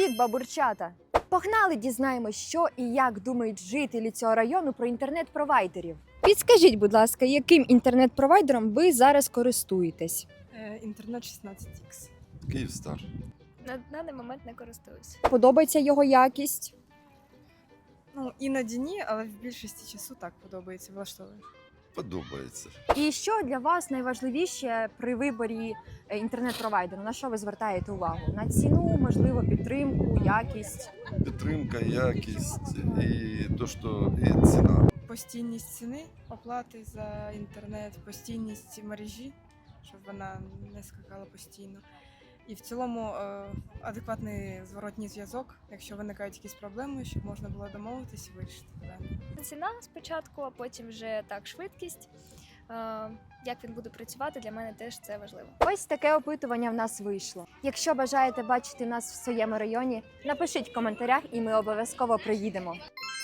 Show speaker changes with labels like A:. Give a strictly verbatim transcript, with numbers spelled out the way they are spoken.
A: Привіт, бабурчата! Погнали дізнаємось, що і як думають жителі цього району про інтернет-провайдерів. Підскажіть, будь ласка, яким інтернет-провайдером ви зараз користуєтесь?
B: Е, Інтернет шістнадцять ікс.
C: Київстар.
D: На даний момент не користуюсь.
A: Подобається його якість?
B: Ну, іноді ні, але в більшості часу так подобається, влаштовує.
C: Подобається.
A: І що для вас найважливіше при виборі е, інтернет-провайдеру? На що ви звертаєте увагу? На ціну, можливо, підтримку, якість?
C: Підтримка, якість і то, що і ціна.
B: Постійність ціни, оплати за інтернет, постійність мережі, щоб вона не скакала постійно. І в цілому е, адекватний зворотній зв'язок, якщо виникають якісь проблеми, щоб можна було домовитись і вирішити питання.
D: Ціна спочатку, а потім вже так швидкість. Е, Як він буде працювати, для мене теж це важливо.
A: Ось таке опитування в нас вийшло. Якщо бажаєте бачити нас в своєму районі, напишіть в коментарях і ми обов'язково приїдемо.